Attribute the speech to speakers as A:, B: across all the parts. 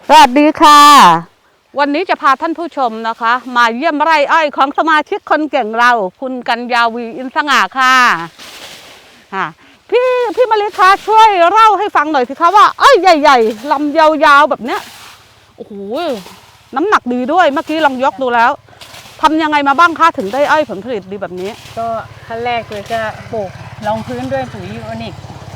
A: สวัสดีค่ะวันนี้จะพาท่านผู้ชมนะคะมาเยี่ยมไร่อ้อยของสมาชิกคนเก่งเราคุณกัญญาวีอินสง่าค่ะพี่มะลิคะช่วยเล่าให้ฟังหน่อยสิคะว่าอ้อยใหญ่ๆลำยาวๆแบบเนี้ยโอ้โหน้ำหนักดีด้วยเมื่อกี้ลองยกดูแล้วทำยังไงมาบ้างคะถึงได้อ้อยผลผลิตดีแบบนี้
B: ก็ขั้นแรกเลยก็ปลูกรองพื้นด้วยปุ๋ยยูโอนิก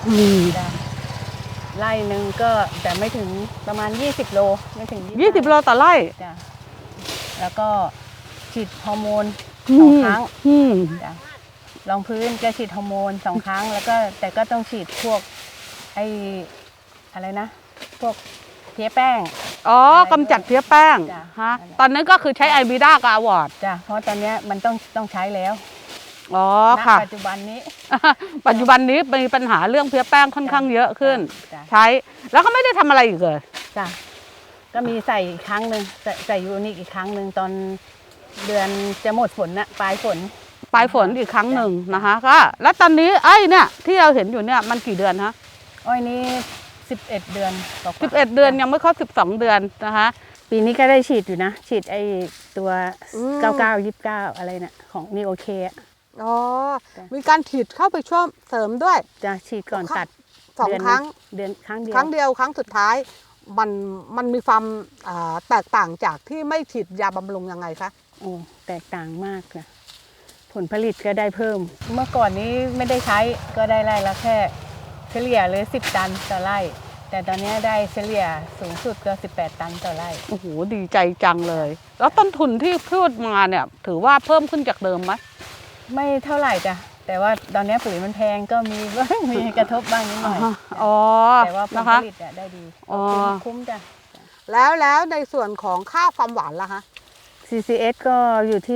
B: ไร่หนึ่งก็แต่ไม่ถึงประมาณ20 โลไม่ถึง
A: 20 โลต่อไร่
B: จ้ะแล้วก็ฉีดฮอร์โมน2 ครั้งจ้ะรองพื้นก็ฉีดฮอร์โมน2 ครั้งแล้วก็แต่ก็ต้องฉีดพวกอะไรนะพวกเพี้ยแป้ง
A: กำจัดเพี้ยแป้งฮะตอนนั้นก็คือใช้ไอบีด้ากับอวอร์ด
B: จ้ะเพราะตอนนี้มันต้องใช้แล้ว
A: ค่ะ
B: ปัจจุบันนี้
A: มีปัญหาเรื่องเพี้ยแป้งค่อนข้างเยอะขึ้นใช้แล้วก็ไม่ได้ทำอะไรอีกเลย
B: จ้ะก็มีใส่อีกครั้งหนึ่งใส่ยูนิคอีกครั้งหนึ่งตอนเดือนจะหมดฝนนะปลายฝน
A: อีกครั้งหนึ่งนะคะก็แล้วตอนนี้ไอ้เนี่ยที่เราเห็นอยู่เนี่ยมันกี่เดือนฮะ
B: อ้อยนี้11 เดือน
A: 11 เดือนยังไม่ครบ12 เดือนนะคะ
B: ปีนี้ก็ได้ฉีดอยู่นะฉีดไอ้ตัว99 29อะไรเนี่ยของนีโอเค
A: มีการฉีดเข้าไปช่วยเสริมด้วย
B: จะฉีดก่อนตัด
A: 2 ครั้ง
B: เดือนครั้งเดี
A: ยวครั้งสุดท้ายมันมีความแตกต่างจากที่ไม่ฉีดยาบำรุงยังไงคะ
B: โอ้แตกต่างมากนะผลผลิตก็ได้เพิ่มเมื่อก่อนนี้ไม่ได้ใช้ก็ได้ไร่ละแค่เฉลี่ยเลย10 ตันต่อไร่แต่ตอนนี้ได้เฉลี่ยสูงสุดก็18 ตันต่อไร่
A: โอ้โหดีใจจังเลยแล้วต้นทุนที่พูดมาเนี่ยถือว่าเพิ่มขึ้นจากเดิมไหม
B: ไม่เท่าไหร่จ้ะแต่ว่าตอนนี้ปุ๋ยมันแพงก็มีกระทบบ้างนิดหน่อยแต่ว่าผลผลิตได้ดีคุ้มจ้ะ
A: แล้วในส่วนของค่าความหวานล่ะคะ
B: CCS ก็อยู่ที่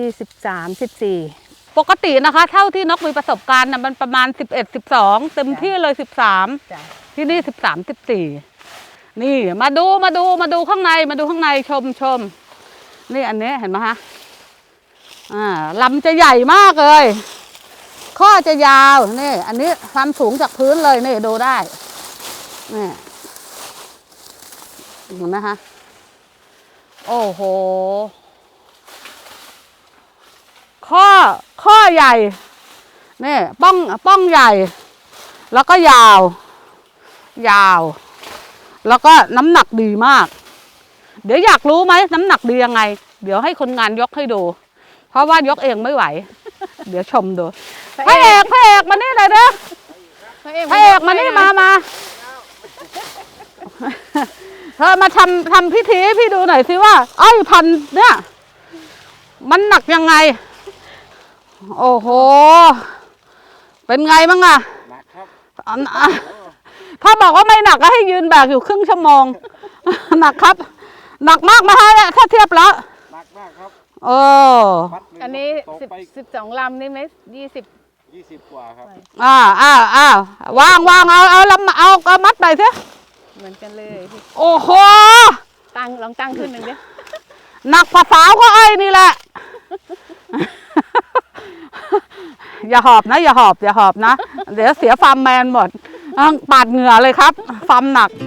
B: 13-14
A: ปกตินะคะเท่าที่นกมีประสบการณ์นะมันประมาณ11-12เต็มที่เลย13ที่นี่13-14นี่มาดูข้างในชมนี่อันนี้เห็นไหมคะลำจะใหญ่มากเลยข้อจะยาวนี่อันนี้ความสูงจากพื้นเลยนี่ดูได้นี่เห็นไหมคะโอ้โหข้อใหญ่นี่ป้องใหญ่แล้วก็ยาวแล้วก็น้ำหนักดีมากเดี๋ยวอยากรู้ไหมน้ำหนักดียังไงเดี๋ยวให้คนงานยกให้ดูเพราะว่ายกเองไม่ไหวเดี๋ยวชมดูพระเอกมานี่เลยเด้อพระเอกมานี่มาเธอมาทำพิธีให้พี่ดูหน่อยสิว่าอ้อยพันเนี่ยมันหนักยังไงโอ้โหเป็นไงบ้างอะหนักครับถ้าบอกว่าไม่หนักก็ให้ยืนแบกอยู่ครึ่งชั่วโมงหนักครับหนักมากไหมฮะเนี่ยถ้าเทียบแล้ว
C: หนักมากครับ
B: อันนี้12 ลำนี่ไหม20
C: กว่าครับ
A: วางเอามัดไปสิ
B: เหมือนกันเลย
A: โอ้โห
B: ลองตั้งขึ้นหนึ่งดิ
A: หนักภาษาก็ไอ้นี่แหละอย่าหอบนะเดี๋ยวเสียฟาร์มแมนหมดปาดเหงื่อเลยครับฟาร์มหนัก